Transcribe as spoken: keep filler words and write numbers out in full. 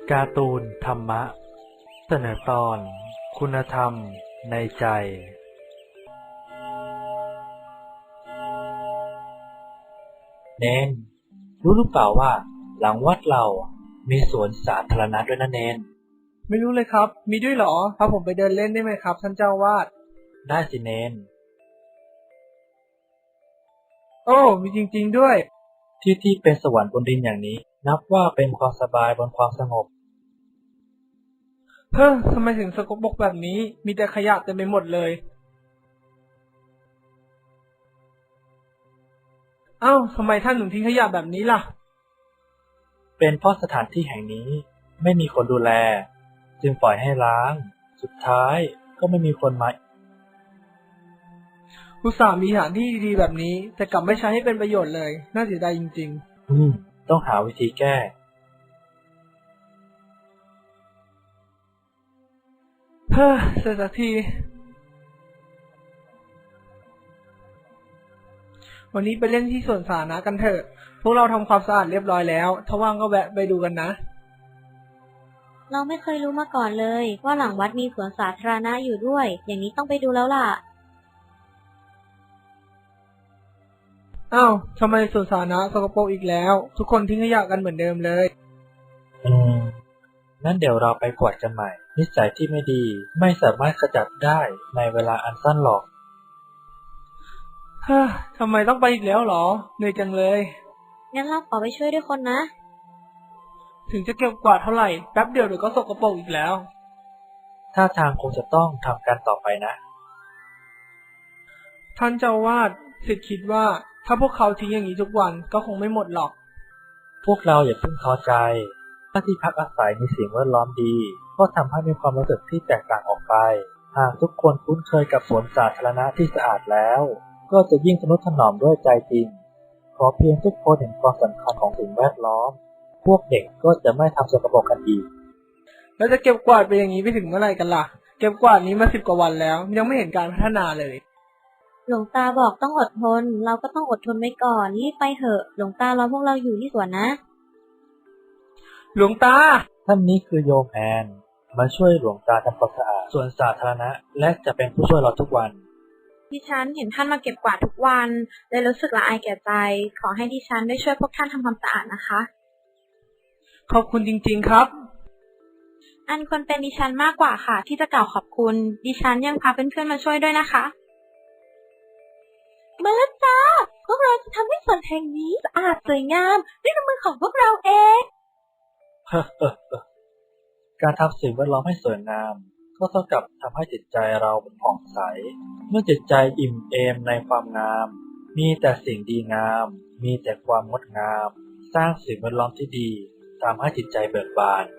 การ์ตูนธรรมะเสนอตอนคุณธรรมในใจเนนรู้หรือเปล่าว่าหลังวัดเรามีสวนสาธารณะด้วยนะเนนไม่รู้เลยครับมีด้วยเหรอพาผมไปเดินเล่นได้ไหมครับท่านเจ้าวาดได้สิเนนโอ้มีจริงๆด้วยที่ที่เป็นสวรรค์บนดินอย่างนี้นับว่าเป็นความสบายบนความสงบเฮ้อทำไมถึงสกปรกแบบนี้มีแต่ขยะเต็มไปหมดเลยเอ้าทำไมท่านถึงทิ้งขยะแบบนี้ล่ะเป็นเพราะสถานที่แห่งนี้ไม่มีคนดูแลจึงปล่อยให้ร้างสุดท้ายก็ไม่มีคนมาอุตส่าห์มีสถานที่ดีๆแบบนี้แต่กลับไม่ใช้ให้เป็นประโยชน์เลยน่าเสียดายจริงๆอืมต้องหาวิธีแก้เฮ้อเสร็จสักทีวันนี้ไปเล่นที่สวนสาธารณะกันเถอะพวกเราทำความสะอาดเรียบร้อยแล้วถ้าว่างก็แวะไปดูกันนะเราไม่เคยรู้มาก่อนเลยว่าหลังวัดมีสวนสาธารณะอยู่ด้วยอย่างนี้ต้องไปดูแล้วล่ะอ้าวทำไมสวนสาธารณะสกปรกอีกแล้วทุกคนทิ้งขยะกันเหมือนเดิมเลยอืมงั้นเดี๋ยวเราไปกวาดกันใหม่นิสัยที่ไม่ดีไม่สามารถขจัดได้ในเวลาอันสั้นหรอกฮ่าทำไมต้องไปอีกแล้วหรอเหนื่อยจังเลยงั้นเราขอไปช่วยด้วยคนนะถึงจะเก็บกวาดเท่าไหร่แป๊บเดียวเดี๋ยวก็สกปรกอีกแล้วถ้าทางคงจะต้องทำการต่อไปนะท่านเจ้าวาดศิษย์คิดว่าถ้าพวกเขาทิ้งอย่างนี้ทุกวันก็คงไม่หมดหรอกพวกเราอย่าเพิ่งท้อใจถ้าที่พักอาศัยมีสิ่งแวดล้อมดีก็ทำให้มีความรู้สึกที่แตกต่างออกไปหากทุกคนคุ้นเคยกับสวนสาธารณะที่สะอาดแล้วก็จะยิ่งทนุถนอมด้วยใจจริงขอเพียงทุกคนเห็นความสำคัญของสิ่งแวดล้อมพวกเด็กก็จะไม่ทำสกปรกกันอีกแล้วจะเก็บกวาดไปอย่างนี้ไปถึงเมื่อไหร่กันล่ะเก็บกวาดนี้มาสิบกว่าวันแล้วยังไม่เห็นการพัฒนาเลยหลวงตาบอกต้องอดทนเราก็ต้องอดทนไว้ก่อนรีบไปเถอะหลวงตารอพวกเราอยู่ที่สวนนะหลวงตาท่านนี้คือโยมแอนมาช่วยหลวงตาทำความสะอาดสวนสาธารณะและจะเป็นผู้ช่วยเราทุกวันดิฉันเห็นท่านมาเก็บกวาดทุกวันเลยรู้สึกละอายแก่ใจขอให้ดิฉันได้ช่วยพวกท่านทำความสะอาดนะคะขอบคุณจริงๆครับอันควรเป็นดิฉันมากกว่าค่ะที่จะกล่าวขอบคุณดิฉันยังพาเพื่อนๆมาช่วยด้วยนะคะมาแล้วจ้าพวกเราจะทำให้สวนแห่งนี้สะอาดสวยงามด้วยน้ำมือของพวกเราเองการทำสิ่งแวดล้อมให้สวยงามก็เท่ากับทำให้จิตใจเราผ่องใสเมื่อจิตใจอิ่มเอมในความงามมีแต่สิ่งดีงามมีแต่ความงดงามสร้างสิ่งแวดล้อมที่ดีทำให้จิตใจเบิกบาน